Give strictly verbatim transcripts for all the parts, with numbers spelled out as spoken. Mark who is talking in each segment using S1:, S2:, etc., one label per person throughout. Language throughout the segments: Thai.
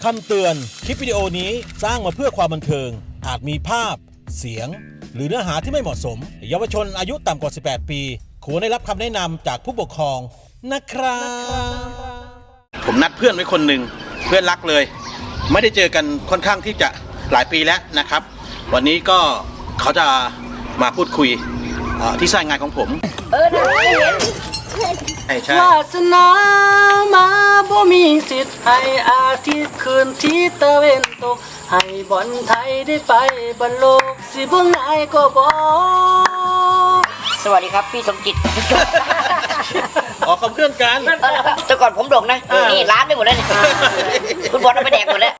S1: คำเตือนคลิปวิดีโอนี้สร้างมาเพื่อความบันเทิงอาจมีภาพเสียงหรือเนื้อหาที่ไม่เหมาะสมเยาวชนอายุต่ำกว่าสิบแปดปีควรได้รับคำแนะนำจากผู้ปกครองนะครับผมนัดเพื่อนไว้คนหนึ่งเพื่อนรักเลยไม่ได้เจอกันค่อนข้างที่จะหลายปีแล้วนะครับวันนี้ก็เขาจะมาพูดคุยที่สายงานของผมเออได้เห็นใช่วาสนา
S2: มาบ่มีสิทธิ์ให้อาทิตย์คืนที่ตะเวนตกให้บอลไทยได้ไปบอลโลกสิบ่ง่ายก็บอก
S3: สวัสดีครับพี่สมจิต
S1: ออกกับเพื่อนกัน
S3: แต่ก่อนผมโด่งนะนี่ร้านไปหมดแล้วเนี่ยคุณบอลเอาไปแดกหมดแล้ว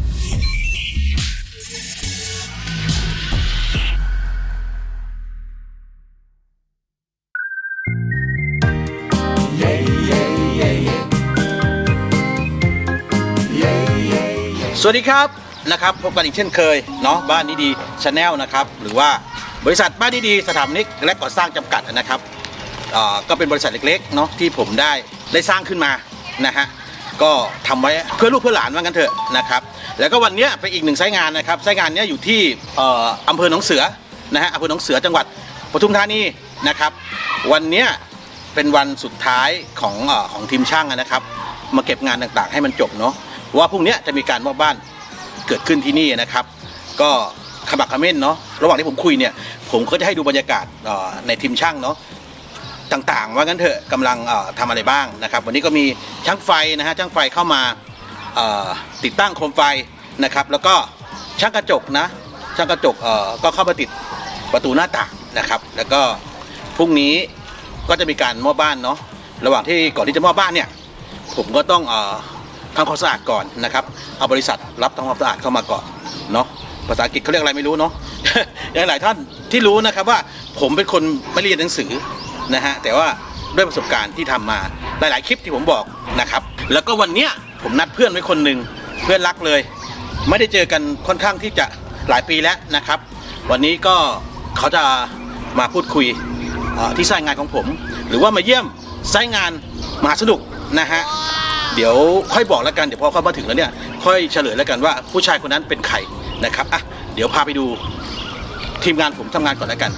S1: สวัสดีครับนะครับพบกันอีกเช่นเคยเนาะบ้านดีดีชาแนลนะครับหรือว่าบริษัทบ้านดีดีสถาปนิกและก่อสร้างจำกัดนะครับก็เป็นบริษัทเล็กๆเนาะที่ผมได้ได้สร้างขึ้นมานะฮะก็ทำไว้เพื่อลูกเพื่อหลานว่างั้นเถอะนะครับแล้วก็วันนี้เป็นอีกหนึ่งไซต์งานนะครับไซต์งานนี้อยู่ที่อำเภอหนองเสือนะฮะอำเภอหนองเสือจังหวัดปทุมธานีนะครับวันนี้เป็นวันสุดท้ายของของทีมช่างนะครับมาเก็บงานต่างๆให้มันจบเนาะว่าพรุ่งนี้จะมีการมอบบ้านเกิดขึ้นที่นี่นะครับก็ขมักเขม้นเนาะระหว่างที่ผมคุยเนี่ยผมก็จะให้ดูบรรยากาศในทีมช่างเนาะต่างๆว่างั้นเถอะกำลังทำอะไรบ้างนะครับวันนี้ก็มีช่างไฟนะฮะช่างไฟเข้ามาติดตั้งโคมไฟนะครับแล้วก็ช่างกระจกนะช่างกระจกก็เข้ามาติดประตูหน้าต่างนะครับแล้วก็พรุ่งนี้ก็จะมีการมอบบ้านเนาะระหว่างที่ก่อนที่จะมอบบ้านเนี่ยผมก็ต้องทำความสะอาดก่อนนะครับเอาบริษัทรับทำความสะอาดเข้ามาก่อนเนาะภาษาอังกฤษเขาเรียกอะไรไม่รู้เนาะ อย่างหลายท่านที่รู้นะครับว่าผมเป็นคนไม่เรียนหนังสือนะฮะแต่ว่าด้วยประสบการณ์ที่ทำมาหลายๆคลิปที่ผมบอกนะครับแล้วก็วันเนี้ยผมนัดเพื่อนไว้คนหนึ่งเพื่อนรักเลยไม่ได้เจอกันค่อนข้างที่จะหลายปีแล้วนะครับวันนี้ก็เขาจะมาพูดคุยที่สายงานของผมหรือว่ามาเยี่ยมสายงานมหาสนุกนะฮะเดี๋ยวค่อยบอกแล้วกันเดี๋ยวพอเข้ามาถึงแล้วเนี่ยค่อยเฉลยแล้วกันว่าผู้ชายคนนั้นเป็นใครนะครับอ่ะเดี๋ยวพาไปดูทีมงานผมทำงานก่อนแล้วกัน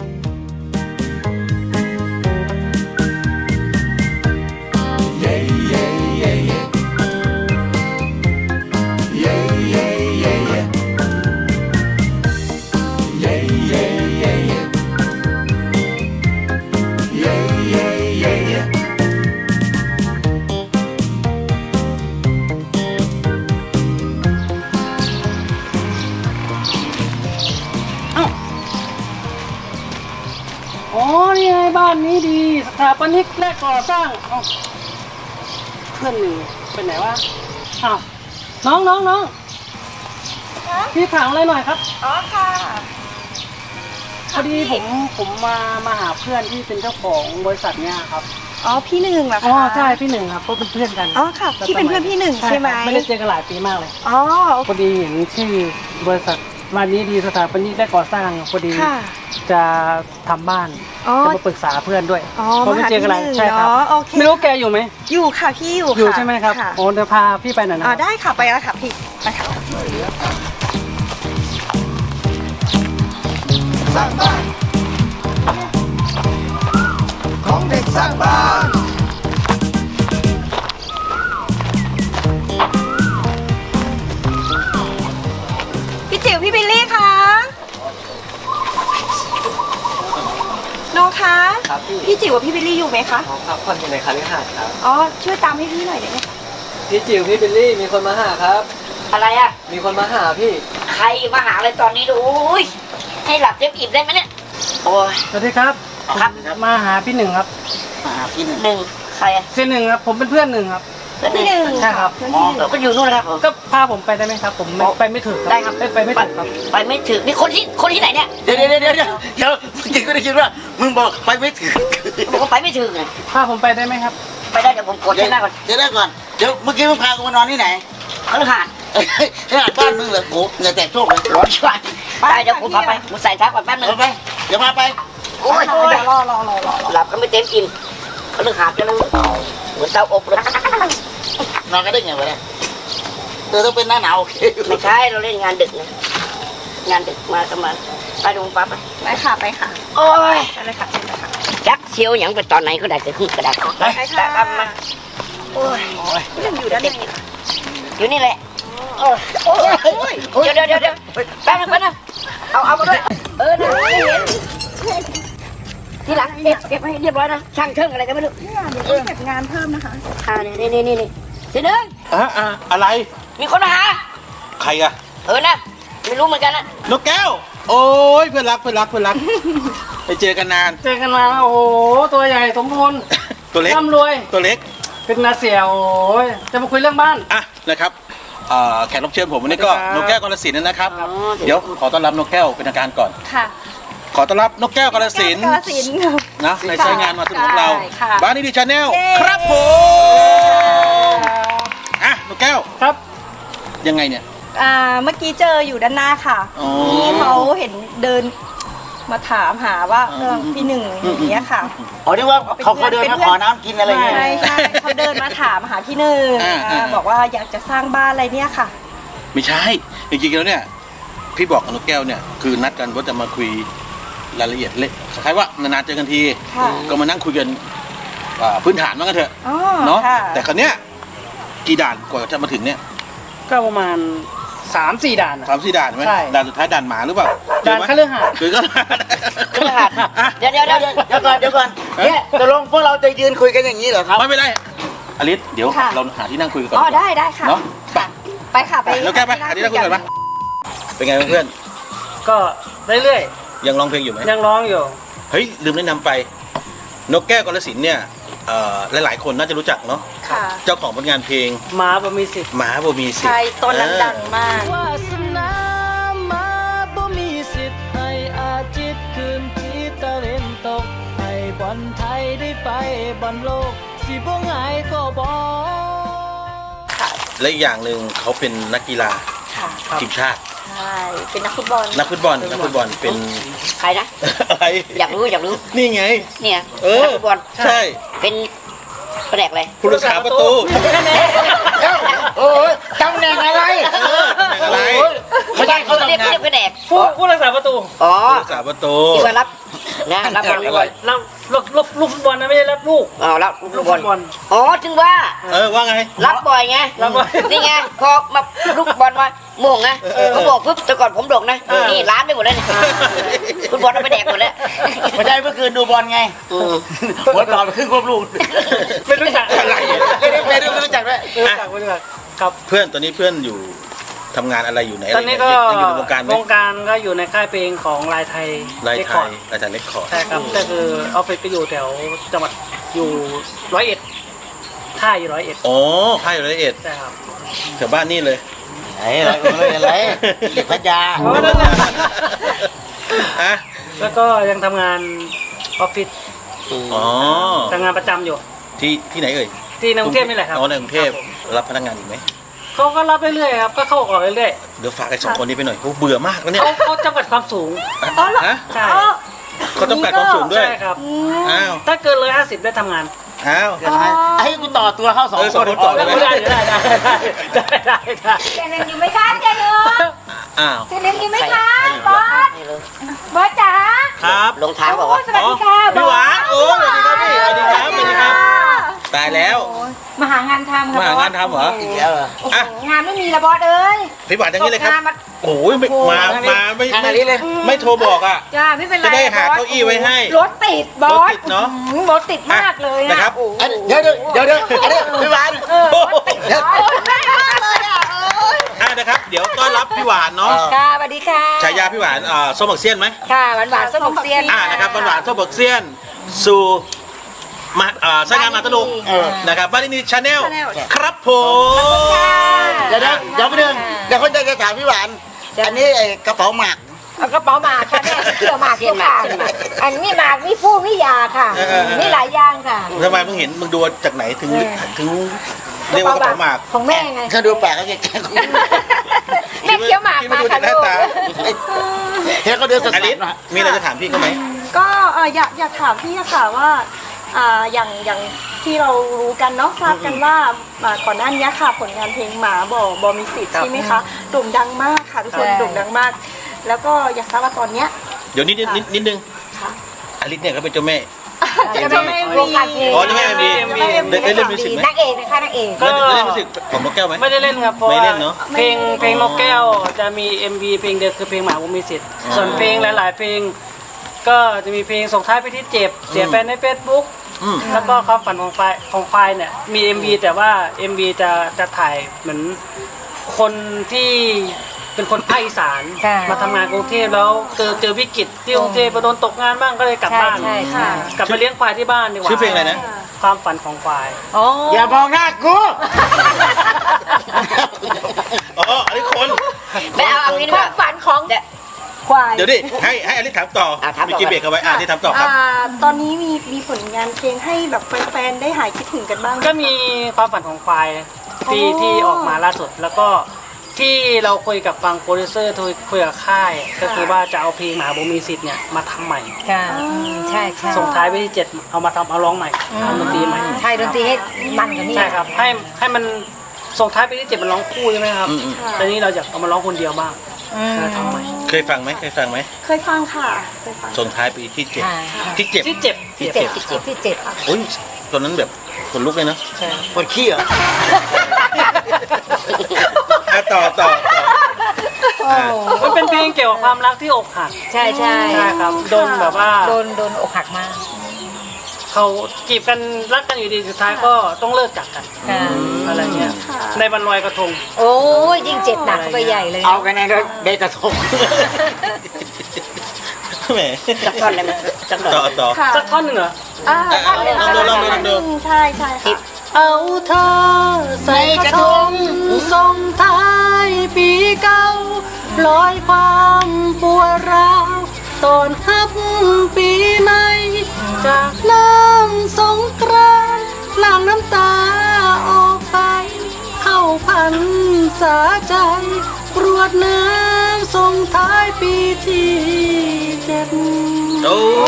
S2: อ๋อนี่ไงบ้านนี้ดีสถาปนิกและก่อสร้างเพื่อนหนึ่งเป็นไหนวะอ้าวน้องน้องน้องพี่ถามอะไรหน่อยครับ
S4: อ๋อค่ะ
S2: พอดีผมผมมามาหาเพื่อนที่เป็นเจ้าของบริษัทเนี้ยครับ
S4: อ๋อพี่หนึ่งเหรอคะ
S2: อ๋อใช่พี่หนึ่งครับก็เป็นเพื่อนกัน
S4: อ๋อค่ะพี่เป็นเพื่อนพี่หนึ่งใช่ไหม
S2: ไม่ได้เจอกันหลายปีมากเลย
S4: อ๋อ
S2: พอดีเห็นชื่อบริษัทบ้านนี้ดีสถาปนิกและก่อสร้างพอดีจะทำบ้านจะมาปรึกษาเพื่อนด้วย
S4: เพราะไม่เจอกันหลาย
S2: ใช่ครับไม่รู้แกอยู่ไหม
S4: อยู่ค่ะพี่อยู่
S2: อยู่ใช่ไหมครับโอ้จะพาพี่ไปหน่อยนะ
S4: อ๋อได้ค่ะไปแล้วค่ะพี่ไปค่ะ
S5: สร้างบ้านของเด็กสร้างบ้าน
S4: พี่จิ๋วพี่บิลลี่คะน้องคะพี่จิ๋วกับพี่บิลลี่อยู่ไหมคะ
S2: ครับคนอยู่ในคาลิฮาสครับ
S4: อ๋อช่วยตามให้พี่หน่อยได้ไหมคะ
S2: พี่จิ๋วพี่บิลลี่มีคนมาหาครับ
S3: อะไรอ่ะ
S2: มีคนมาหาพี่
S3: ใครมาหาอะไรตอนนี้ดูให้หลับเต็มอิ่มได้ไหมเนี่ยโอ้ย
S2: สวัสดีครับ
S3: ครับ
S2: มาหาพี่หนึ่งครับ
S3: มาหาพี่หนึ่งใครอ่ะ
S2: พี่หนึ่งครับผมเป็นเพื่อนหนึ่งครับ
S4: พี่หนึ่ง
S2: ใช่ครับ
S3: อ๋อก็อยู่นู่นนะครับ
S2: ก็พาผมไปได้ไหมครับผมไปไม่ถึง
S3: ได้ครับ
S2: ไปไม่ถึงครับ
S3: ไปไม่ถึงนี่คนที่คนที่ไหนเนี่ย
S5: เดี๋ยวเดี๋ยวเดี๋ยวเดี๋ยวเดี๋ยวจริงก็ได้คิดว่ามึงบอกไปไม่ถึง
S3: บอกว่าไปไม่ถึงไง
S2: พาผมไปได้ไหมครับ
S3: ไปได้เดี๋ยวผมกดให้หน้าก่อน
S5: เดี๋ยวได้ก่อนเดี๋ยวเมื่อกี้มึงพากูมานอนที่ไหน
S3: คฤหาสน์
S5: คฤหาสน์บ้านมึงเหรอโอ้เงินแตกโชคเลย
S3: ร้อนช่วยไปเดี๋ยวผมพาไปผมใส่ท้าก่อนแป๊บนึง
S5: ไปเดี๋ยวมาไป
S3: โอ้ยรอรอรอรอหลับก็ไม่เต็มอิ่มคฤหาสน์จะเลยเหมือนเตาอบเลย
S5: นอนกันได้ไงวะเนี่ยเออต้องเป็นหน้าหนาวโอเค
S3: ไม่ใช่เราเล่นงานดึกนะงานดึกมากันมาไปดูปั๊บไป
S4: ไปค่ะไปค่ะ
S3: โอ้ย
S4: ไปเลยค่ะเชิญเลยค่ะ
S3: จักเชียวหยังไปตอนไหนก็ได้จะขึ้นกระดาษ
S4: ไปค่ะ
S3: ตามมาโอ้ย
S4: ยังอยู่ด้านใน
S3: อยู่นี่แหละโอ้ยโอ้ยเดี๋ยวเดี๋ยวเดี๋ยวเดี๋ยวแป๊บนึงแป๊บนึงเอาเอามาด้วยเออนะไม่เห็นทีหลังเก็บเก็บให้เรียบร้อยนะช่างเชิงอะไรก็ไม่รู้
S4: เนี่ยเดี๋ยวต้องเก็บงานเพิ่มนะคะ
S3: อ่านี่นี่นี่นี่เสยหนึ่ง
S1: อ่ะอ่ะอะไร
S3: มีคนมาหา
S1: ใครอะ
S3: เออนะไม่รู้เหมือนกันนะ
S1: นกแก้ว โอ้ยเพื่อนรักเพื่อนรักเพื่อนรัก ไปเจอกันนาน
S2: เจอกันมาโอ้โหตัวใหญ่สมบูรณ์
S1: ตัวเล็ก
S2: ร่ำรวย
S1: ตัวเล็ก
S2: เป็นนาเสียวโอ้ยจะมาคุยเรื่องบ้าน
S1: อ่ะนะครับเอ่อแขกรับเชิญผมวันนี้ก็
S2: สวัสดีครับ
S1: นกแก้วกาฬสินธุ์นะครับ
S3: อ๋อ
S1: เดี๋ยวขอต้อนรับนกแก้วเป็นทางการก่อน
S4: ค่ะ
S1: ขอต้อนรับนกแก้วกาฬสินธุ์
S4: กาฬสินธุ์ค่ะ
S1: นะในใช้งานมาสนุกกับเรา
S4: ใช่ค่ะ
S1: บ้านนี้ดีชาแนล
S4: เย้
S1: ครับผมอ่ะนกแก้ว
S2: ครับ
S1: ยังไงเนี่ย
S4: อ่าเมื่อกี้เจออยู่ด้านหน้าค่ะ
S1: อ๋อ
S4: ที่เขาเห็นเดินมาถามหาว่า
S1: อืม
S4: เออพี่หนึ่งอย่างเงี้ยค่ะ
S5: อ๋อนี่ว่าเขาเขาเดินมาขอน้ำกินอะไรเงี้ย
S4: ใช่ใช่เขาเดินมาถามหาพี่หนึ่ง
S1: อ่า
S4: อ่า
S1: อ่า
S4: บอกว่าอยากจะสร้างบ้านอะไรเนี่ยค่ะ
S1: ไม่ใช่จริงๆแล้วเนี่ยพี่บอกกับนกแก้วเนี่ยคือนัดกันว่าจะมาคุยรายละเอียดเล็กคล้ายๆว่านานๆเจอกันที
S4: ค่ะ
S1: ก็มานั่งคุยกันอ่าพื้นฐานว่ากันเถอะ
S4: อ๋อ
S1: เนาะ
S4: ค่ะ
S1: แต่ครั้เนี้ยกี่ด่านกว่าจะมาถึงเนี่ย
S2: ก็ประมาณสามสี่ด่านอะ
S1: สามสี่ด่านไหม
S2: ใช่
S1: ด่านสุดท้ายด่านหมาหรือเปล่า
S2: ด่าน
S1: เจอไหม
S2: คฤหาสน์
S1: คือก็
S3: เครื่องหัด
S1: อ่ะ
S3: เดี๋ยวเดี๋ยว
S5: เดี๋
S3: เดี๋
S5: ย
S3: ยว ว
S5: เดี๋ยวเดี๋ยวก่อนเดี๋ยวก่อนเนี่ยตกลงพวกเราจะยืนคุยกันอย่างนี้เหรอครับ
S1: ไม่เป็นไรอลิสเดี๋ยว
S4: ค่ะ
S1: เราหาที่นั่งคุยกันก่อน
S4: อ๋อได้ได้ค่ะ
S1: เนาะไป
S4: ไปค่ะไป
S1: แล้วแก้วไปหาที่นั่งคุยกันปะเป็นไงเพื่อน
S2: ก็เรื่อย
S1: ๆยังร้องเพลงอยู่ไหม
S2: ๆยังร้องอยู่
S1: เฮ้ยลืมแนะนำไป นกแก้วกาฬสินธุ์เนี่ยเอ่อหลายๆคนน่าจะรู้จักเนาะ
S4: ค่ะ
S1: เจ้าของผลงานเพลง
S2: หมาบ่มีสิทธิ์
S1: หมาบ่มีสิทธิ์
S4: ใช่ต้นนั้นดังมาก
S2: วาสนามาบ่มีสิทธิ์ให้อาจิตคืนที่ตะเวนตกให้บอลไทยได้ไปบอลโลกสิบ่ง่ายก็บ่
S1: และอีกอย่างหนึ่งเขาเป็นนักกีฬา
S4: ค่ะ
S1: ทีมชาติ
S4: ใช่เป็นนักฟุตบอล
S1: นักฟุตบอลนักฟุตบอลเป็น
S3: ใครนะ
S1: อะไร
S3: อยากรู้อยากรู้
S1: นี่ไง
S3: เนี่ย
S1: เออ
S3: นักฟุตบอล
S1: ใช่
S3: เป็นแปลกเลย
S1: ผู้รักษาประตู
S5: โอ้ยตำแหน่งอะไร
S1: เออตำแหน่งอะไร
S5: โอ้ยไม่ใช่เขา
S3: เรียก
S5: ทำงาน
S3: เรียกแผนก
S2: ผู้ผู้รักษาประตู
S3: อ๋อ
S1: ผู้รักษาประตู
S3: ที่ว่ารับนะรับบอลรับบอล
S2: รับลูกลูกลูกฟุตบอลนะไม่ใช่รับลูก
S3: อ๋อรับ
S2: ลู
S3: ลู
S2: ก
S3: ก
S2: ฟุ
S3: บอล
S2: ตบอล
S3: อ๋อจึงว่า
S1: เออว่าไง
S3: รับบ่อยไง
S2: รับบ่อย
S3: นี่ไงพอมาลูกบอลมาโมงนะเขาบอกปุ๊บแต่ก่อนผมโด่งนะ
S2: เออ
S3: นี่ร้านไปหมดแล้วเนี่ยคุณบอลเอาไปแดกหมดแล้ว
S5: ไม่ใช่เมื่อคืนดูบอลไง
S3: อืม
S5: หัวต่อไปครึ่งควบลูก
S2: ไม่รู้จัก
S1: อะไร
S5: ไม่ได้ไม่ได้ไม่รู้จักด้วย
S2: ไม่รู้จักไม่รู้จักครับ
S1: เพื่อนตอนนี้เพื่อนอยู่ทำงานอะไรอยู่ไหน
S2: ตอนนี้ก็
S1: ยังอยู่ในวงการไหม
S2: วงการก็อยู่ในค่ายเพลงของลายไทย
S1: ราย
S2: เรค
S1: ไท
S2: คอร์
S1: ย
S2: ด
S1: รายไทยเล็กคอร์ด
S2: ใช่ครับก็คือออฟฟิศก็อยู่แถวจังหวัดอยู่ร้อยเอ็ดท่าอยู่ร้อยเอ็ด
S1: อ๋อค่ายละเอียด
S2: ใช่ครับ
S1: แถวบ้านนี่เลย
S5: ไหนอะไรอะไรอะไรเด็กพัทยา
S2: เพราะว่านั่นแหละ
S1: อ่ะ
S2: แล้วก็ยังทำงานออฟฟิศ
S1: อ๋อ
S2: ทำงานประจำอยู่
S1: ที่ที่ไหนเอ่ย
S2: ที่ในกรุงเทพนี่แหละครับ
S1: อ๋อในกรุงเทพ
S2: ครับผม
S1: รับพนักงานอีกไหม
S2: เขาก็รับเรื่อยๆครับก็เข้าออกเรื่อย
S1: เดี๋ยวฝากไอ้สองคนนี้ไปหน่อยเขาเบื่อมากแล้ว
S2: ๆ
S1: เนี่ย
S2: เขาเขาจำกัดความสูง
S4: อ๋อเหรอ
S1: ฮะ
S2: ใช่
S4: อ๋อ
S1: เขาจำกัดความสูงด้วย
S2: ใช่ครับ
S4: อืม
S1: อ้าว
S2: ถ้าเกินเลยห้าสิบได้ทำงาน
S1: อ้าว
S5: เดี๋ยวให้ให้กูต่อตัวเข้าสอง
S1: เออส
S5: ค
S1: อง
S5: น
S1: คนต่อ
S2: ได้ได้ได้ได้ได้ได้ได้
S4: เจนอยู่ไหมคะเจนอยู่
S1: อ้าว
S4: เจนอยู่ไหมคะบอสบอสจ๋า
S1: ครับ
S3: ลงทางบอกว่า
S4: สวัสดีค่ะ
S1: พี่หวานโอ้สวัสดีครับพี่สวัสดีครับสวัสดีครับ ตายแล้ว
S4: มาหางานทำค่ะ
S1: มาหางานทำเหรอ
S5: อีกแล้วเหรอ
S4: โอ้โห
S1: อ่ะ
S4: งานไม่มีละบอสเอ้ย
S1: พี่หวานอย่างนี้เลยครับ
S4: ตกงานมา
S1: โอ้ยไม่มามาไม่
S5: ทาง
S1: ไม่
S5: นี้เลย
S1: ไม่โทรบอกอ่ะ
S4: จ้าไม่เป็นไร
S1: จะได้หา
S4: บส
S1: เก้าอี้ไว้ให้
S4: รถติดบอ
S1: รถ
S4: ส
S1: ติดเนอะ
S4: อืมรถติดมากเลย
S1: นะครับ
S4: โอ้โห
S5: อันเดี๋ยวเดี๋ยวเดี๋ยวเดี๋ยวอันนี้พี่หวาน
S4: เออรถติดบอสไม่มากเลยอ่ะเอ้ย
S1: อ่ะนะครับ เดี๋ยวต้อนรับพี่หวานเนาะ
S4: ค่ะสวัสดีค่ะ
S1: ฉายาพี่หวานอ่าส้มบักเซียนไหม
S4: ค่ะหวานหวานๆส้มบักเซียน
S1: อ่านะครับหวานๆส้มบักเซียน สู่มาอ่าสร้างงานมาตลุก
S5: เออ
S1: นะครับบ้านนี้ชาแนล
S4: Channel
S1: ครับผม
S5: เดี๋ยวเดี๋ยวเดี๋ยวไปหนึ่งเดี๋ยวคนจะจะถามพี่หวาน อันนี้ไอ้กระเป๋าหมาก
S4: เอากระเป๋าหมากค่ะแม่เกี่ยวหมากเกี่ยวค่ะอันนี้หมากนี่ผู้นี่ยาค่ะนี่หลายอย่างค่ะ
S1: ทำไมมึงเห็นมึงดูจากไหนถึงถึงเรียกว่ากระเป๋าหมาก
S4: ของแม่ไง
S5: ถ้าดูแปลกก็จะแกล้ง
S4: แม่เคี้ยวหมาก
S1: คิด
S4: มา
S1: ดู
S4: ค่ะ
S1: จากหน้า
S4: ลูก
S1: ตา
S5: เฮ้ยก็เดินส
S1: อลิ
S5: ด
S1: ส
S5: ๆนะ
S1: มีอะไรจะถามพี่เขาไหม
S6: ก็เอ่ออยากอยากถามพี่อะค่ะว่าอ่าอย่างอย่างที่เรารู้กันเนาะทราบกันว่าอ่าก่อนหน้านี้ค่ะผลงานเพลงหมาบ่อบอมีสิทธิ์ใช่ไหมคะโด่งดังมากค่ะทุกคนโด่งดังมาก แล้วก็อยากทราบว่าตอนเนี้ย
S1: เดี๋ยวนิดนิดนิดนิดนึง
S6: ค่ะ
S1: อลิสเนี่ยเขาเป็นเจ้าแม่
S6: จะไม่
S4: วงการเพลง
S1: อ๋อจะไม่มี ได้ได้เล่นมิวสิกไหม
S4: นางเอกนะคะนางเอก
S2: ก็
S1: ได้เล่นมิวสิกของนกแก้วไหม
S2: ไม่ได้เล่นครับเพราะ
S1: ไม่
S2: ว่า
S1: เล่นเนอะ
S2: เพลงเพลงนกแก้วจะมี เอ็ม วี เพลงเดียวคือเพลงหมาบุมีสิทธิ์
S1: อ๋อ
S2: ส่วนเพลงหลาย ๆ เพลง ก็จะมีเพลงส่งท้ายไปที่เจ็บเสียแฟนในเฟซบุ๊ก
S1: อืม
S2: แล้วก็ความฝันของไฟของไฟเนี่ยมี เอ็ม วี แต่ว่า เอ็ม วี จะจะถ่ายเหมือนคนที่เป็นคนภาคอีสาน
S4: ค่ะ
S2: มาทำงานกรุงเทพแล้วเจอเจอวิกฤตที่กรุงเทพมาโดนตกงานบ้างก็เลยกลับ
S4: ใช่
S2: บ้าน
S4: ใช่ใช่
S2: กลับมาเลี้ยงควายที่บ้านดีกว่า
S1: ชื่อเพลงอะไรนะ
S2: ความฝันของควาย
S4: อ๋อ
S5: อย่ามองหน้ากู
S1: อ๋ออันนี้คน
S3: ไม่เอาเอางี้ดี
S4: ค
S3: ก
S4: วา
S3: ว่าม
S4: ฝันของ
S3: เดี๋ยว
S6: ควาย
S1: เดี๋ยวดิให้ให้อลิสถามต่อ
S3: อ่ะถามต่อ
S1: เมื่อกี้เบรกเอาไว้อ่านี่ถามต่อครับ
S6: อ่าตอนนี้มีมีผลงานเพลงให้แบบแฟนๆได้หายคิดถึงกันบ้างไหม
S2: ก็มีความฝันของควายที่
S6: อ๋อ
S2: ที่ออกมาล่าสุด แล้วก็ที่เราคุยกับฟังโปรดิวเซอร์คุยกับค่าย ก็คือว่าจะเอาเพลงหมาบุมีสิทธิ์เนี่ยมาทำใหม่
S4: ค่ะอืมใช่ใช่
S2: ส่งท้ายไปที่เจ็ดเอามาทำเอาร้องใหม่ทำดนตรีใหม่
S4: ใช่ดนตรีให้มันกว่านี้
S2: ใช่ครับให้ให้มันส่งท้ายไปที่เจ็ดมันร้องคู่ใช่ไหมครับ
S1: อืมอืม
S2: แต่นี้เราอยากเอามาร้องคนเดียวบ้าง
S4: อืม
S2: ก็ทำใหม่
S1: เคยฟังไหมเคยฟังไหม
S6: เคยฟังค่ะเคยฟัง
S1: ส่งท้ายปีที่เจ็ด
S4: ค่ะ
S1: ที่เจ็บ
S2: ที่เจ็บ
S4: ที่เจ็ดที่เจ็ดที่เจ็ด
S1: โอ้ยตอนนั้นแบบขนลุกเลยเนอะ
S2: ใช่
S5: ปวดขี้เหรอ
S1: อ่ะต่อต่อต่ออ่ะ
S2: มันเป็นเพลงเกี่ยวกับความรักที่อกหัก
S4: ใช่ใช่
S2: ใช่ครับโดนแบบว่า
S4: โดนโดนอกหักมาก
S2: เขาจีบกันรักกันอยู่ดีสุดท้ายก็ต้องเลิกจากกัน
S4: ค่ะ
S2: อะไรเงี้ย
S6: ค่ะ
S2: ในวันลอยกระทง
S4: โอ้ยยิ่งเจ็บหนักเข้าไปใหญ่เลย
S5: เอากันในรถเบรกกระทง
S1: แหม
S3: สักท่อนเลยมั้ยสักหน่อย
S1: ต่อต่อ
S6: ค่ะ
S2: สักท่อนหนึ่งเหรอ
S6: อ่าท่านหนึ่ง
S1: ลองดูลองดูลองดู
S6: ใช่ใช่ค่ะ
S2: เอาเธอใส่กระทงส่งท้ายปีเก่าลอยความปวดร้าวตอนฮับปีใหม่ จากน้ำสงกรานต์หลั่งน้ำตาออกไป เข้าพันษาใจกรวดน้ำส่งท้ายปีที่เจ็ด
S1: โอ้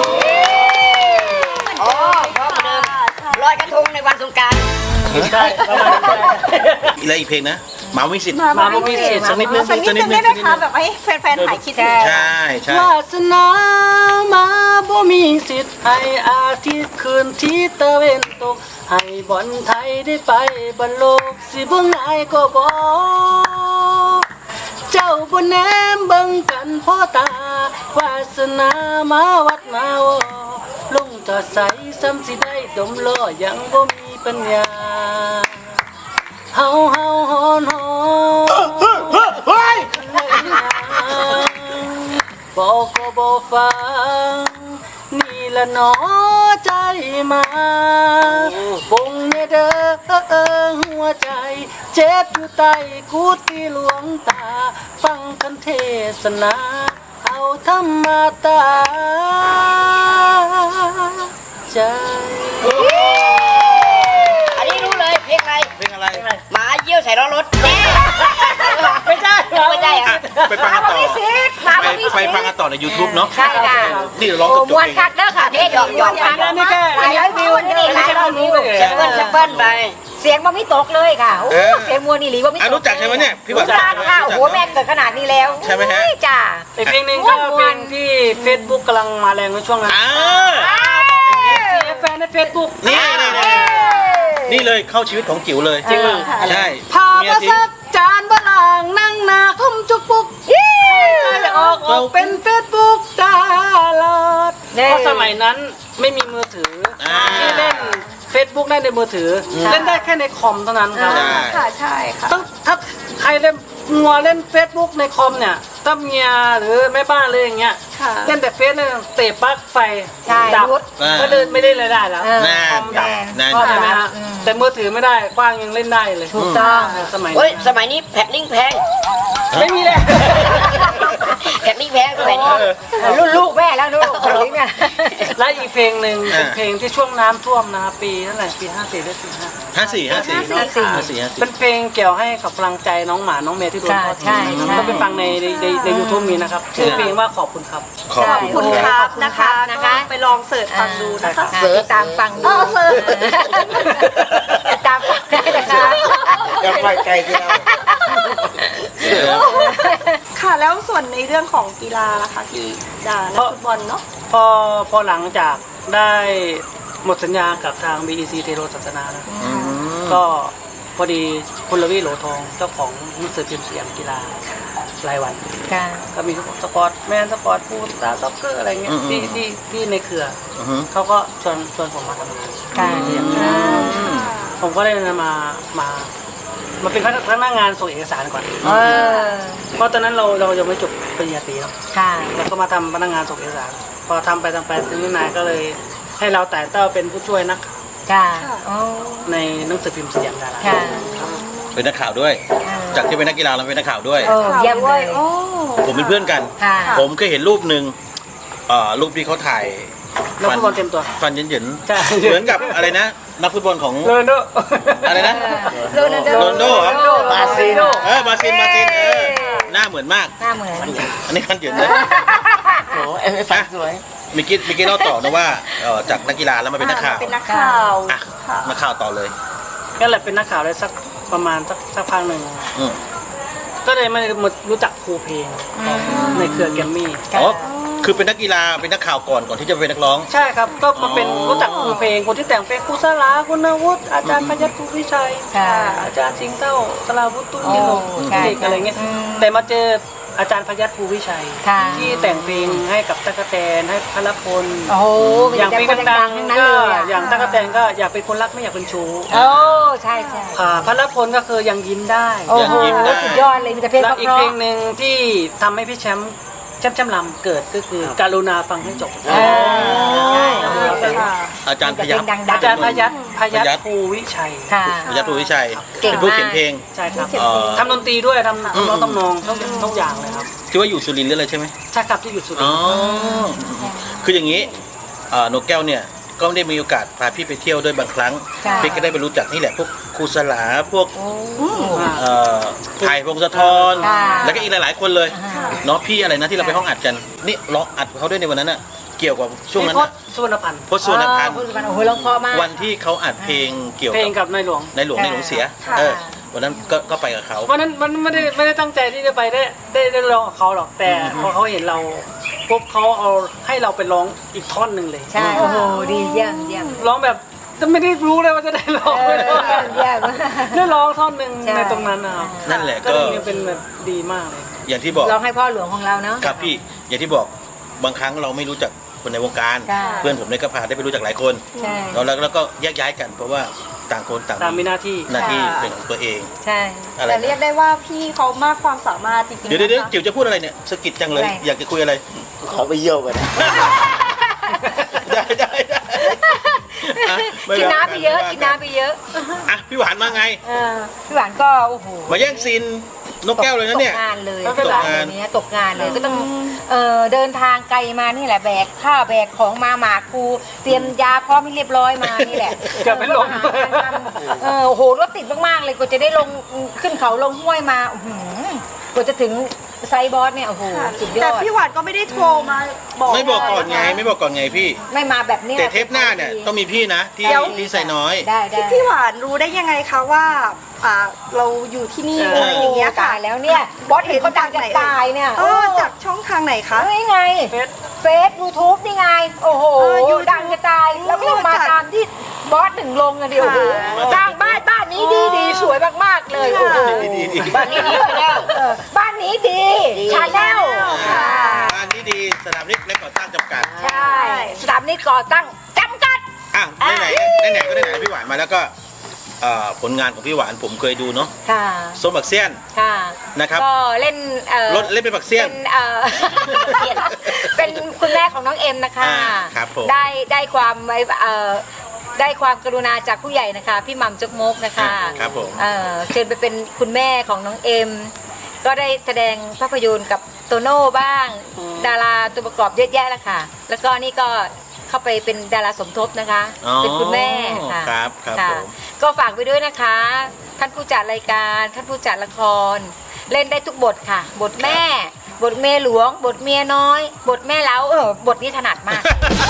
S3: อ๋อพร้อมเหมือนเดิมลอยกระทงในวันสงกรานต์
S2: ใช่ประมาณนั้น
S1: อะไรอีกเพลงนะหมาวิสิทธิ์
S6: มา
S2: มาบ่มีสิทธิ์สักนิดนึง
S6: สักนิดนึงได้ไหมคะแบบให้แฟนๆหายคิดถึง
S1: ใช่ใช่
S2: วาสนามาบ่มีสิทธิ์ให้อาทิตย์คืนที่ตะเวนตก ให้บอลไทยได้ไปบอลโลกสิบ่ง่ายก็บ่เจ้าบ่แนมเบิ่งกันพ่อตาวาสนามาวัดมาวอลงจอดใสซ้ำสิได้ดมล้อยังบ่มีปัญญาเฮาเฮาฮอนฮอนบอกก็บ่ฟังนี่ละหนอใจมาปงเนเด้อหัวใจเจ็บอยู่ใต้กุฏิหลวงตาฟังกันเทศนาเอาธรรมตาใจ
S3: อันนี้รู้เลยเพลงอะไร
S1: เพลงอะไร
S3: หมาเยี่ยวใส่ล้อรถ
S2: ไม่ใช่
S3: ไม่ใช่เหร
S1: อ่ะ
S3: อ
S1: ไปฟังกันต่อ
S4: มา
S1: ไป
S4: บ่มี
S1: ไป
S4: สิทธิ์
S1: ฟังกันต่อใน YouTube เนาะ
S4: ใช่ค่ะ
S1: นี่เราร้อง
S4: โอ้
S1: จบ
S4: มวน
S1: เอง
S4: คักเด้อค่ะ
S3: นี่หยอกหยอกกัน
S2: นี่แค่
S4: หลายร้อยวิวนี่หลายร้อยวิว
S3: สักเปิ้ลสักเปิ้ลไป
S4: เสียงบ่มีตกเลยค่ะโอ้
S1: เออ
S4: เสียงมวนนี่หลีบ่มีต
S1: อ่ะ
S4: ก
S1: รู้จักใช่ไหมเนี่ยพี่หวาน
S4: รู้จักค่ะโอ้โหแม่เกิดขนาดนี้แล้ว
S1: ใช่ไหมฮะ
S4: โอ้ยจ้า
S2: อีกเพลงหนึ่งก็เพลงที่ Facebook กำลังมาแรงในช่วงนั้น
S1: อ่า
S2: เสียแฟนใน Facebook
S1: นี่นี่นี่นี่เลยเข้าชีวิตของจิ๋วเลย
S2: จริงเหรอ
S1: ใช่
S2: พามาสักจานบะหลางนั่งหนาคมจุกปุกใจออกออกเป็น Facebook ตลอด
S4: เน่
S2: เพราะสมัยนั้นไม่มีมือถืออา ที่เล่น Facebook ได้ในมือถืออ
S1: ม
S2: เล่นได้แค่ในคอมเท่านั้นครับ
S1: ใช่
S6: ค่ะใช่ค่ะ
S2: ต้องถ้าใครเล่นงัวเล่น Facebook ในคอมเนี่ยถ้าเมียหรือแม่บ้านเลยอย่างเงี้ย
S6: ค่ะ
S2: เล่นแต่เฟซเนี่ยเตะปลั๊กไฟ
S4: ใช่
S2: ดับ
S4: รุด
S2: ก็เดินไม่ได้เลยได้แล้ว
S4: เออ
S1: นั่น
S2: คอมดับ
S1: นั่น
S2: เข้าใจไหมฮะ
S4: อืม
S2: แต่มือถือไม่ได้กว้างยังเล่นได้เลย
S4: ถูกต้อง
S2: สมัย
S3: เฮ้ย
S2: นี้
S3: สมัยนี้แผ่นลิงก์แพง
S2: ไม่มีเลย
S3: แผ่นลิงก์แพงสมัยนี่รุ่นลูกแม่แล้วลูกคนนี้เนี่ย
S2: และอีกเพลงหนึ่งเป็นเพลงที่ช่วงน้ำท่วมนะครับปีเท่าไหร่ปีห้าสี่หรือสี่ห้า
S1: ห้าสี่ห้าสี่
S3: ห้าสี่
S1: ห้าสี่ห้าสี่
S2: เป็นเพลงเกี่ยวให้กับพลังใจน้องหมาน้องเมย์ที่โดนทอดทิ้ง
S3: ใช่ใช่
S2: ก็ไปฟังในในในในยูทูบมีนะครับชื่อเพลงว่าขอบคุณครับ
S1: ขอบ
S6: ขอบ
S1: คุ
S6: คุณ ณครับนะคะ
S3: นะคะ
S6: ก็ไปลองเสิร์ชฟังดูนะคะ
S3: เสิร์ชตามฟังดูตามฟังได้นะคะ
S5: อย่าปล่อยไกลที่เรา
S6: ค่ะแล้วส่วนในเรื่องของกีฬาล่ะคะพี่ดานักฟุตบอลเนาะ
S2: พอพอหลังจากได้หมดสัญญากับทาง บี อี ซี เทโรศาสนานะก็พอดีคุณรวีโหลทองเจ้าของหนังสือพิมพ์สยามกีฬารายวัน
S3: ค่ะ
S2: ก็มีสปอร์ตแมนสปอร์ตฟูลสตาร์ซ็อกเกอร์อะไรเงี้ยที่ที่ที่ในเครือ
S1: อือฮึ
S2: เขาก็ชวนชวนผมมาทำงาน
S3: ค่ะ
S2: ผมก็เลยมามามาเป็นพนักงานส่งเอกสารก่อน
S3: เออ
S2: เพราะตอนนั้นเราเรายังไม่จบปริญญาตรีเนาะ
S3: ค่ะ
S2: แล้วก็มาทำพนักงานส่งเอกสาร พอทำไปทำไปทีนี้นายก็เลยให้เราแต่เต้าเป็นผู้ช่วยนักข่าว
S3: ค่ะอ๋อ
S2: ในหนังสือพิมพ์สยามดารา
S3: ค่ะ
S1: เป็นนักข่าวด้วย จากที่เป็นนักกีฬาเราเป็นนักข่าวด้วย
S3: เออเยี่ยมเลย
S6: โอ้
S1: ผมเป็นเพื่อนกัน
S3: ค่ะ
S1: ผมเคยเห็นรูปหนึ่งเอ่อรูปที่เขาถ่าย
S2: นักฟุตบอลเต็มตัว
S1: ฟันเหยิน
S2: ใช่
S1: ๆเหมือนกับอะไรนะ นักฟุตบอลของ
S2: โรนลโด
S1: อะไรนะ
S3: โรนัลโด
S1: โรนัลโดเหรอ
S5: บราซิล
S1: เออบราซิลบราซิลเออหน้าเหมือนมาก
S3: หน้าเหมือน
S1: อันนี้ฟันเหยินเลย
S5: โอ้เอ็มเอฟฟันสวย
S1: เมื่อกี้เมื่อกี้เล่าต่อนะว่าเอ่อจากนักกีฬาแล้วมาเป็นนักข่าว
S6: เป็นนักข่าว
S1: อ่ะนักข่าวต่อเลย
S2: ก็เลยเป็นนักข่าวได้สักประมาณสักสักพักหนึ่ง
S1: อืม
S2: ก็เลยมารู้จักครูเพลงในเครือแกรมมี่
S1: อ๋อคือเป็นนักกีฬาเป็นนักข่าวก่อนก่อนที่จะเป็นนักร้อง
S2: ใช่ครับ ก็มาเป็น
S1: อ๋อ
S2: รู้จักครูเพลงคนที่แต่งเพลงครูสลาคุณนวุฒิอาจารย์พยัคฆ์ภูวิชัย
S3: ค่ะ
S2: อาจารย์สิงห์เต้าสลาวุฒิตุ้นยิโล
S3: โอ้ใช่
S2: เด็กอะไรเงี้ย
S3: อืม
S2: แต่มาเจออาจารย์พยัคฆ์ภูวิชัย
S3: ค่ะ
S2: ที่แต่งเพลงให้กับตั๊กแตนให้พลพล
S3: โอ้โหมี
S2: อย่าง
S3: แต่
S2: เพลง
S3: คน
S2: ดั
S3: ดั
S2: ง
S3: งๆทั้ง
S2: ๆ
S3: นั้น
S2: ก็
S3: เลยอะ
S2: อย่างตั๊กแตนก็อยากเป็นคนรักไม่อยากเป็นชู้
S3: โอ้ใช่ใช่
S2: ค่ะพลพลก็คือยังยิ้มได้
S3: โอ้โห
S1: ยิ้มได้
S3: สุดยอดเลยมีแต่เพลง
S2: แล้ว
S3: เพ
S2: อีกเพล
S3: ราะ
S2: งหนึ่งที่ทำให้พี่แชมป์แชมป์แชมป์ลำเกิดก็คือการุณาฟังให้จบ
S3: ๆเออใช่
S1: อาจารย์พยัคฆ์
S3: ดังๆ
S2: อาจารย์พยัคฆ์พยัค
S1: พยัคฆ์
S2: ฆ์ภูวิชัย
S3: ค่ะ
S1: พยัคฆ์ภูวิชัย
S3: เก่ง
S1: เป็นผู้
S3: มาก
S1: เขียนเพลง
S2: ใช่ครับ
S1: เอ่อ
S2: ทำดนตรีด้วยทำ
S1: อืม
S2: ทำร้องทำนองทุกทุกอย่างเลยครับ
S1: ที่ว่าอยู่สุรินทร์หรืออะไรใช่ไหม
S2: ใช่ครับที่อยู่สุริ
S1: อ๋
S2: น
S1: อ
S2: ทร์
S1: คืออย่างนี้เอ่อนกแก้วเนี่ยก็ได้มีโอกาสพาพี่ไปเที่ยวด้วยบางครั้ง
S3: ค่ะ
S1: พี่ก็ได้ไปรู้จักนี่แหละพวกครูสลาพวก
S3: โอ้
S1: เอ่อไผ่พงศธร
S3: ค่ะ
S1: แล้วก็อีกหลาย ๆ คนเลย
S3: อ่า
S1: เนาะพี่อะไรนะที่เราไปห้องอัดกันนี่ร้องอัดเขาด้วยในวันนั้นน่ะเกี่ยวกับช่วงนั้น
S2: พ
S1: น่ะ
S2: จน์สุวรรณพันธ์
S1: พจน์สุวรรณพันธ์
S3: อ๋อพจน์สุวรรณโอ้โหร้องเพราะมาก
S1: วันที่เขาอัดเพลงเกี่ยว
S2: เพลง
S1: กับ
S2: กับนายหลวง
S1: ในหลวงในหลวงเสีย
S3: ค่ะ
S1: เออวันนั้นก็ก็ไปกับเขา
S2: วันนั้นมันไม่ได้ไม่ได้ตั้งใจที่จะไปได้ได้ได้ร้องกับเขาหรอกแต่พอเขาเห็นเราปุ๊บเขาเอาให้เราไปร้องอีกท่อนหนึ่งเลย
S3: ใช่โอ้โหดีเยี่ยมเยี่ยม
S2: ร้องแบบไม่ได้รู้เลยว่าจะได้ร้อง
S3: เอ
S2: ไม่
S3: อ
S2: ได้ร้อง
S3: เยี่ยม
S2: ได้ร้องท่อนหนึ่ง
S3: ใช่
S2: ในตรงนั้นนะครับ
S1: นั่นแหละ
S2: ก็
S1: ก็
S2: เลยเป็นแบบดีมากเลย
S1: อย่างที่บอก
S3: ร้องให้พ่อหลวงของเราเนาะ
S1: ครับพี่อย่างที่บอกบางครั้งเราไม่รู้จักคนในวงการ
S3: ค่ะ
S1: เพื่อนผมเนี่ยก็พาได้ไปรู้จักหลายคน
S3: ใช่
S1: แล้วแล้วแล้วก็แยกย้ายกัน เพราะว่าต่างคนต่าง
S2: ตามมีหน้าที่
S1: หน้าที่เป็นของตัวเอง
S3: ใช่
S1: อะไร
S6: แต่เรียกได้ว่าพี่เขามากความสามารถจริงๆ
S1: เดี๋ยวเดี๋ยวเดี๋ยว
S6: นะคะ
S1: จิ๋วจะพูดอะไรเนี่ยสะกิดจังเลย
S3: อะไร
S1: อยากจะคุยอะไร
S5: ขอไปเยี่ยวกัน
S1: ได้ได้ได้อ่ะไม่
S3: กิน
S1: ว่า
S3: น้ำไปเยอะกินน้ำไปเยอะ
S1: อ่ะพี่หวานมาไง
S3: เออพี่หวานก็โอ้โห
S1: มาแย่งซีนนกแก้วเลยนะเนี่ย
S3: ตกงานเลย
S2: ไม่เป็นไร
S3: ตกงานเนี้ยตกงานเลยก็ต้องเออเดินทางไกลมานี่แหละแบกข้าวแบกของมาหมากครูเตรียมยาพร้อมให้เรียบร้อยมานี่แหละ
S2: เกือบเป็นลม
S3: หางานทำเออโอ้โหรถติดมากๆเลยกว่าจะได้ลงขึ้นเขาลงห้วยมาอื้อหือกว่าจะถึงไซบอสเนี่ยโอ้โหสุดยอ
S6: แต่
S3: ด
S6: พี่หวานก็ไม่ได้โทรมาบอก
S1: ไม่บอกก่อนไงไม่บอกก่อนไงพี่
S3: ไม่มาแบบเนี้ย
S1: แต่เทปหน้าเนี่ยต้องมีพี่นะที่ที่ใส่น้อย
S3: ได้ได้
S6: พี่พี่หวานรู้ได้ยังไงคะว่าอ่าเราอยู่ที่นี่
S2: เอออ
S6: อะไรอย่างเงี้ยค่ะ
S3: ตายแล้วเนี่ยบอสเห็นเขาดังจะตายเนี่ย
S6: เออจากช่องทางไหนคะ
S3: เฮ้ยไง
S2: เฟซ
S3: เฟซยูทูบนี่ไง โอ้โห
S6: เออ YouTube
S3: ดังจะตาย แล้วก็มา
S6: จาก
S3: ตามที่บอสถึงลงอะเดียวโอ้โห
S1: ค่ะ
S3: สร้างบ้านบ้านนี้ดีดีสวยมากๆเลย โอ้โห
S1: ดีดีดี
S3: บ้านนี้ดีแล้วบ้านนี้ดีชาแนลค่ะ
S1: บ้านที่ดีสนามนิกและก่อสร้างจำกัด
S3: ใช่สถานีก่อตั้งจำกัด
S1: อ่ะไหนไหนไหนไหนก็ไหนไหนพี่หวานมาแล้วก็เอ่อผลงานของพี่หวานผมเคยดูเนาะ
S3: ค่ะ
S1: ส้มบักเซียน
S3: ค่ะ
S1: นะครับ
S3: ก็เล่นเอ่อ
S1: รถเล่นเป็นบักเซียน
S3: เป็นเอ่อ เป็นคุณแม่ของน้องเอ็มนะคะ
S1: อ่าครับผม
S3: ได้ได้ความไว้เอ่อได้ความกรุณาจากผู้ใหญ่นะคะ พี่หม่ำจกมกนะคะ
S1: ครับผม
S3: เอ่อเชิญไปเป็นคุณแม่ของน้องเอ็ม
S4: ก็ได้แสดงภาพยนตร์กับโตโน่บ้าง ดาราตัวประกอบเยอะแยะแล้วค่ะ แล้วก็นี่ก็เข้าไปเป็นดาราสมทบนะคะ
S1: อ๋อ
S4: เป็นคุณแม่ค่ะ
S1: ครับครับ
S4: ค่ะ
S1: ผม
S4: ก็ฝากไปด้วยนะคะ ท่านผู้จัดรายการท่านผู้จัดละคร เล่นได้ทุกบทค่ะ บทแม่ บทเมียหลวง บทเมียน้อย บทแม่เล้าเออบทนี้ถนัดมาก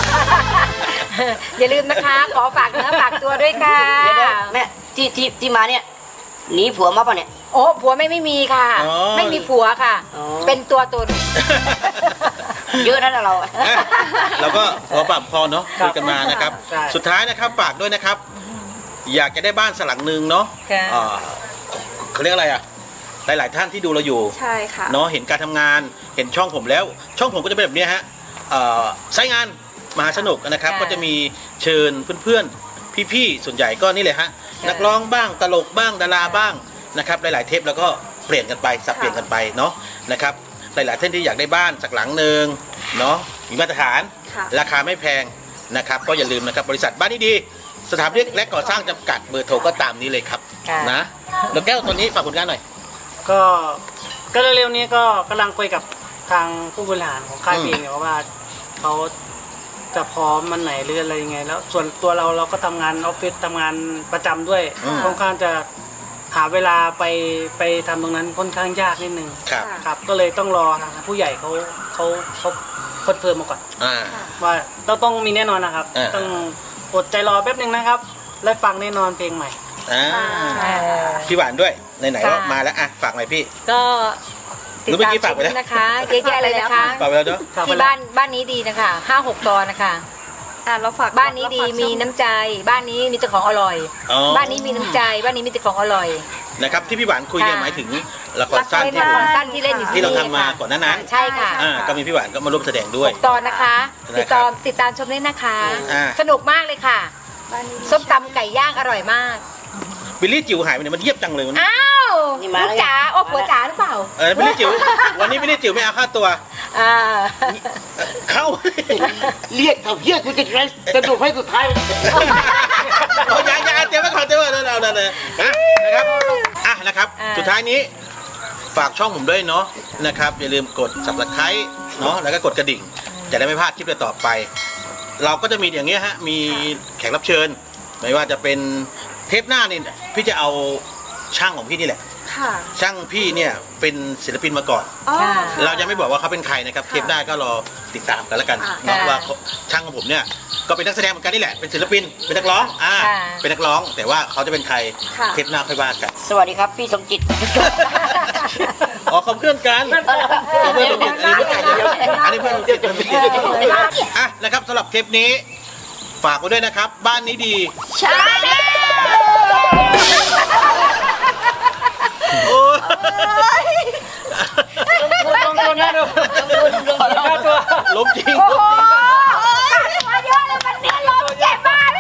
S4: อย่าลืมนะคะ ขอฝากเนื้อฝากตัวด้วยค่ะ
S3: เดี๋ยวๆแม่ที่ที่ที่มาเนี่ยหนีผัวมาป่ะเนี่ย
S4: โอ้ผัวไม่ไม่มีค่ะ
S1: อ๋อ
S4: ไม่มีผัวค่ะ
S3: อ๋อ
S4: เป็นตัวตน
S3: เยอะนะเรา
S1: อ่ะเราก็พอปรับพอเนาะ
S2: ครั
S1: คุ
S2: บ
S1: ยกันมานะครับ
S2: ใช่
S1: สุดท้ายนะครับฝากด้วยนะครับ อยากจะได้บ้านสักหลังหนึ่งเนาะ
S4: ค่ะ
S1: อ่าเขาเรียกอะไรอ่ะหลาย ๆ ท่านที่ดูเราอยู่
S6: ใช่ค่ะ
S1: เนาะเห็นการทำงานเห็นช่องผมแล้ว ช่องผมก็จะเป็นแบบเนี้ยฮะเอ่อไซต์งานมหาสนุกนะครับ
S4: ค่ะ
S1: ก็จะมีเชิญเพื่อนๆพี่ๆส่วนใหญ่ก็นี่เลยฮะ
S4: ค่ะ
S1: นักร้องบ้างตลกบ้างดาราบ้างนะครับหลายๆเทปแล้วก็เปลี่ยนกันไปสับเปลี่ยนกันไปเนาะนะครับหลายๆท่านที่อยากได้บ้านสักหลังหนึ่งเนาะมีมาตรฐาน
S6: ค่ะ
S1: ราคาไม่แพงนะครับก็อย่าลืมนะครับบริษัทบ้านนี้ดีสถาปนิกและก่อสร้างจำกัดเบอร์โทรก็ตามนี้เลยครับ
S4: ค่ะ
S1: นะแล้วแก้วตัวนี้ฝากผลงานหน่อย
S2: ก็ก็เร็วๆนี้ก็กำลังคุยกับทางผู้บริหารของค่าย
S1: อืม
S2: เพลงอยู่ว่าเขาจะพร้อมมันไหนหรืออะไรยังไง แล้วส่วนตัวเราเราก็ทำงานออฟฟิศทำงานประจำด้วย
S1: อืม
S2: ค่อนข้างจะหาเวลาไปไปทำตรงนั้นค่อนข้างยากนิดนึง
S1: ครับ
S2: ครับ ก็เลยต้องรอทางผู้ใหญ่เขาเขาเขาคอนเฟิร์มมาก่อน
S1: อ่า
S2: ว่าเราต้องมีแน่นอนนะครับ
S1: อ่า
S2: ต้องอดใจรอแป๊บหนึ่งนะครับ และฟังแน่นอนเพลงใหม่
S1: อ่า
S4: เอ่อ
S1: พี่หวานด้วยไหนๆ
S4: ค่ะ
S1: ก็มาแล้วอ่ะฝากหน่อยพี่
S4: ก็ติด
S1: หรือเมื่
S4: ตา
S1: อ
S4: ม
S1: กี้
S4: ช
S1: ฝาก
S4: ม
S1: ไปแล้ว
S4: นะคะเยอะแยะเลยนะคะ
S1: ฝากไปแล้วเนาะ
S2: ฝากไป
S4: ที่
S2: แล้ว
S4: บ้านบ้านนี้ดีนะคะห้าหกตอนนะคะ
S6: อ่ะเราฝาก
S4: บ้านนี้ดี
S6: เราฝาก
S4: มีน้ำใจ บ้านนี้มีแต่ของอร่อย
S1: อ๋อ
S4: บ้านนี้มีน้ำใจ บ้านนี้มีแต่ของอร่อย
S1: นะครับที่พี่หวานคุยเนี่ย
S4: ค่ะ
S1: หมายถึงละครสั้น
S4: ละ
S1: ที่
S4: ค
S1: ผม
S4: รสั้นที่เล่นอยู่
S1: ที่เรา
S4: นี่
S1: ทำมา
S4: ค่ะ
S1: ก่อนหน้านั้น
S4: ใช่ค่ะ
S1: อ่าก็มีพี่หวานก็มาร่วมแสดงด้วย
S4: หกตอนนะคะ
S1: นะครับ
S4: ติดตามติดตามชมได้นะคะ
S1: อ่า
S4: สนุกมากเลยค่ะ
S6: บ้านนี้ดี
S4: ส้มตำไก่ย่างอร่อยมาก
S1: บิลลี่จิ๋วหายไปไหนมันเยียบจังเลยวันนี้
S4: อ้าว
S3: นี่มา
S4: ลู
S3: แล้
S4: ก
S3: วไง
S4: จ๋าโอ้ผัวจ๋าหรือเปล่า
S1: เออบิลลี่จิ๋ววันนี้บิลลี่จิ๋วไม่เอาค่าตัว
S4: อ่า
S1: เข้า
S5: เรียกเขาเรียกกูจะสรุปให้สุดท้าย
S1: เอาอย่าอย่าเตรียมไว้ก่อนเตรียมไว้เราเราเลยนะนะครับอ่ะนะครับ
S4: อ่า
S1: สุดท้ายนี้ฝากช่องผมด้วยเนาะนะครับอย่าลืมกด subscribe เนาะแล้วก็กดกระดิ่ง จะได้ไม่พลาดคลิปต่อไป เราก็จะมีอย่างเงี้ยฮะมีแขกรับเชิญ ไม่ว่าจะเป็นเทปหน้านี่พี่จะเอาช่างของพี่นี่แหละ
S6: ค่ะ
S1: ช่างพี่เนี่ยเป็นศิลปินมาก่อน
S6: อ๋อ
S4: ค่ะ
S1: เรายังไม่บอกว่าเขาเป็นใครนะครับ เทปหน้าก็รอติดตามกันแล้วกัน
S6: ค่ะ
S1: เนาะ
S4: ค่ะ
S1: ว่าเขาช่างของผมเนี่ยก็เป็นนักแสดงเหมือนกันนี่แหละเป็นศิลปินเป็นนักร้องอ่า
S4: ค่ะ
S1: เป็นนักร้อง แต่ว่าเขาจะเป็นใคร
S6: ค่ะ
S1: เทปหน้าค่อยว่ากัน
S3: สวัสดีครับพี่สมจิต
S1: อ๋อเขาเพื่อนกันเขาเพื่อนผมอันนี้เพื่อนกันเดียวอันนี้เพื่อนผมจิตเพื่อนผมจิตอ่ะนะครับสำหรับเทปนี้ ฝากไว้ด้วยนะครับ บ้านนี้ดี
S6: ใช่
S1: โอ้ย
S2: ลงทุนนะดูค่าตัว
S1: ลบจริง
S6: มาเยอะเลยวันนี้ลมเจ็บมากเลย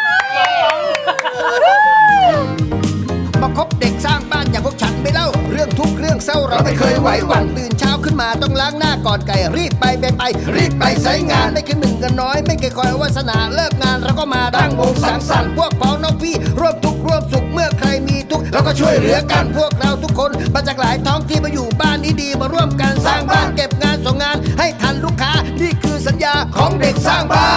S7: มาคบเด็กสร้างบ้านอย่างพวกฉันไม่เล่า เรื่องทุกข์เรื่องเศร้าเราไม่เคยไหวหวั่นตื่นเช้าขึ้นมาต้องล้างหน้าก่อนไก่รีบไปไปไปรีบไปใช้งานไม่เคยหนึ่งกันน้อย ไม่เคยคอยวาสนาเลิกงานเราก็มาตั้งวงสังสรรค์พวกพ้องน้องพี่ร่วมทุกข์ร่วมสุขเมื่อใครมีทุกข์เราก็ช่วยเหลือกันพวกเราทุกคนมาจากหลายท้องที่มาอยู่บ้านนี้ดีมาร่วมกันสร้างบ้านเก็บงานส่งงานให้ทันลูกค้านี่คือสัญญาของเด็กสร้างบ้าน